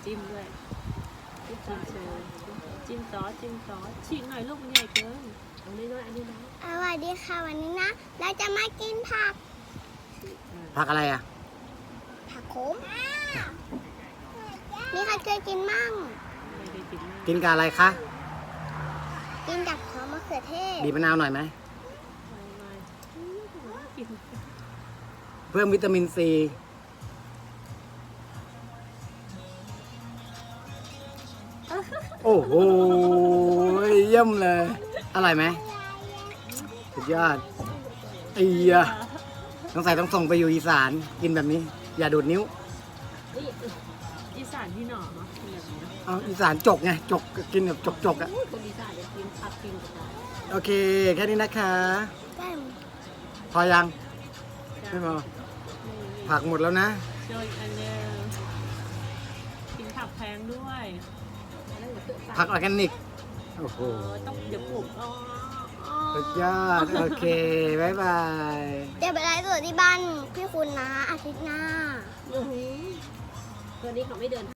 จิ้มด้วยจิ้มโชว์จิ้มซอสฉีกหน่อยลูกมันใหญ่เกินเอาน้อยๆอันนี้นะสวัสดีค่ะวันนี้นะเราจะมากินผักผักอะไรอ่ะผักโขมมีใครเคยกินมั่งไม่ได้กินมากกินกับอะไรคะกินกับซอสมะเขือเทศบีบมะนาวหน่อยไหมไม่กินเพิ่มวิตามินซีโอ้โหเยี่ยมเลยอร่อยไหมสุดยอดไอ้ยะต้องส่งไปอยู่อีสานกินแบบนี้ อย่าดูดนิ้วนี่อีสานที่หน่อเนาะเป็นแบบนี้นะเอาอีสานจกไงจกกินแบบจกอ่ะคนอีสานจะกินผักกินกับอะไรโอเคแค่นี้นะคะได้พอยังไม่พอผักหมดแล้วนะโดยอันเนี้ยกินผักแพงด้วยผักออร์แกนิกโอ้โหต้องเดี๋ยวปลูกอ๋อสุดยอดโอเคบายบายเดี๋ยวไปไลฟ์สดที่บ้านพี่คุณนะอาทิตย์หน้าตัวนี้เขาไม่เดิน